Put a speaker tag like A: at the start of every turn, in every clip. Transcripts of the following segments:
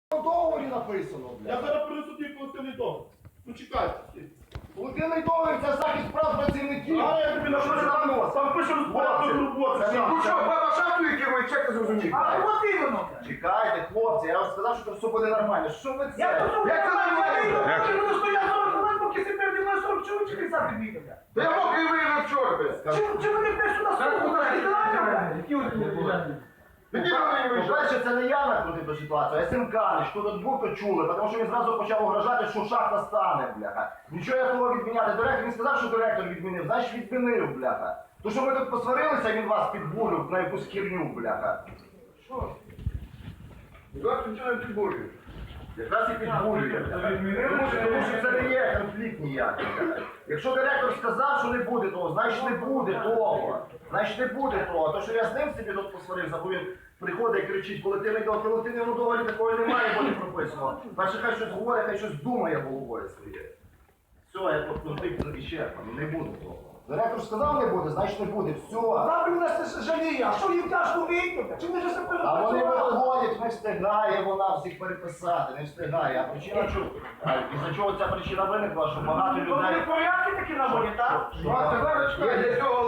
A: В договорі написано,
B: Я
A: блядь.
B: зараз принесу тобі колективний договір. Ну чекайте.
A: Колективний договір – це захист прав працівників.
B: А я тобі напишу, там пише розпорядок роботи.
A: Ну що,
C: баба шафує керує, чек не зрозумів.
D: А от іменно.
A: Чекайте, хлопці, я вам сказав, що все буде нормально. Що ви це?
D: Я тут
C: Як це
D: я не стояв 40 хвилин, поки си переді мною 40 чоловік чи 50 відмітив.
C: Та я мокрий виявив вчора, блядь.
D: Чи вони теж сюди слухають?
C: Які вони
A: По-перше, це не я накрутив ту ситуацію, а Сенканич. Хто тут був, то чули, тому що він зразу почав угрожати, що шахта стане, бляха. Нічого я того відміняти. Директор, він сказав, що директор відмінив, значить відмінив, бляха. То, що ми тут посварилися, він вас підбурив на якусь херню, бляха.
D: Що?
C: Зараз нічого не підбурює.
A: Якраз і підбурює. Тому що це не є конфлікт ніякий. Якщо директор сказав, що не буде того, значить не буде того. Значить не буде того. То, що я з ним собі тут посварився, бо він приходить і кричить, колективний договір, в колективному договорі такого немає, бо не прописано. Перше, хай щось говорить, хай щось думає головою своєю. Все, я тут конфлікт ісчерпаний, не буде того. Директор сказав не буде, значить не буде, все.
D: Бабі нас жаліє, а що їм тяжко вийти? Чи вони вже себе
A: А вони
D: працювали?
A: виходять, не встигає вона всіх переписати, не встигає. А причина чого? Із-за чого ця причина виникла, що багато
D: Вони
A: людей...
D: порядки такі на волі, так?
C: Бачите, зараз чекай, для цього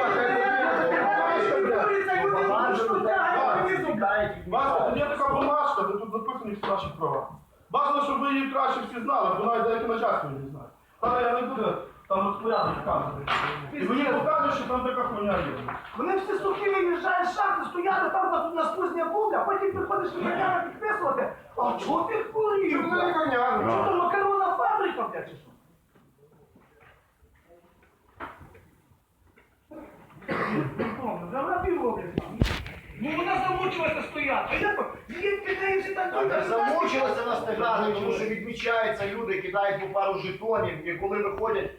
B: Бачите, тут є така бумажка, де тут записані всі наші права. Бажано, щоб ви її краще всі знали, бо навіть деякі начальство не знають. Та я не буду там розпорядок показувати. І мені покажуть, що там така хуйня є.
D: Вони всі сухі виїжджають з шахти, стояли там на спузня бубля, потім приходиш лікарняна підписувати. А чого ти хворів?
C: Чому не лікарняна?
D: Що то макаронна фабрика, блядь, чи що? Вже вона півроблять. Ну вона замучилася стояти. А як їм кидається так
A: А так замучилися на стигати, тому що відмічаються люди, кидають по пару жетонів, і коли виходять...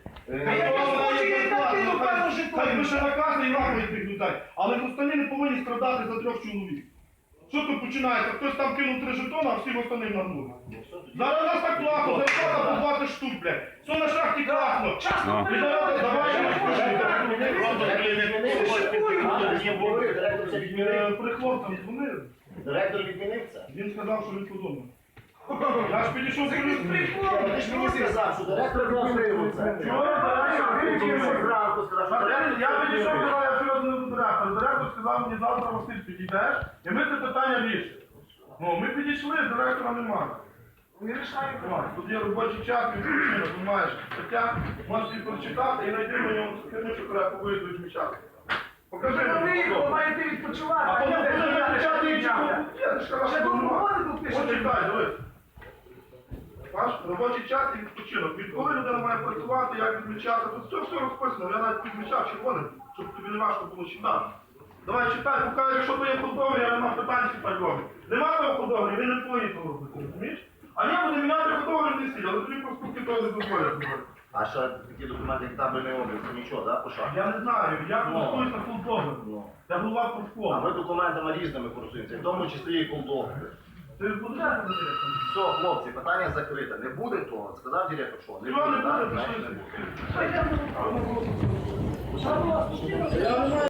B: Хай пише наказ і нахуй тих людей. Але останні не повинні страдати за 3 чоловік. Що тут починається? Хтось там кинув 3 жетона, а всі останні нагнули. Зараз у нас так класно, зарплата по 20 штук, блядь. Все на шахті класно. І зараз
A: Директор це відмінив.
B: При хлопцям дзвонили.
A: Директор відмінив це.
B: Він сказав, що він подумав. Я ж підійшов до
A: Ти ж мені сказав, що директор відмінив це.
B: Я підійшов до директора. Директор сказав мені, завтра Василь підійдеш, і ми це питання рішимо. Ну, ми підійшли, директора немає.
D: Не рішаємо.
B: Тут є робочий час, відпочинок, ти маєш стаття, можеш її прочитати і знайти мені херню, що треба по виїзду відмічати. Покажи мені.
D: Ви маєте відпочивати.
B: А потім буде відмічати іншого. Я ж
D: Ще
B: кажу,
D: тут
B: немає.
D: роботи тут пишете.
B: Почитай, дивись. Бачиш, робочий час і відпочинок. Відколи людина має працювати, як відмічати, тут все розписано. Я навіть підмічав червоним, щоб тобі не важко було читати. Давай читай, поки якщо то є худоговір, я нема питань читай договір. Нема того худоговір, він не повинен того робити, розумієш? А я буду міняти худоговір не сіль, але тобі проступки того не дозволять.
A: А що такі документи, як табельний облік, це нічого, да, по шахті?
B: Я не знаю, я користуюсь на худоговір.
A: Ну.
B: Я голова
A: А
B: профкому.
A: ми документами різними користуємося, в тому числі і колдовки.
B: Ти будеш директором?
A: Все, хлопці, питання закрите. Не буде того. Сказав директор, що не
B: Чого не
A: буде,
B: буде,
A: так, значить
B: пішли.
A: не буде.
D: Що було?
B: Я не знаю.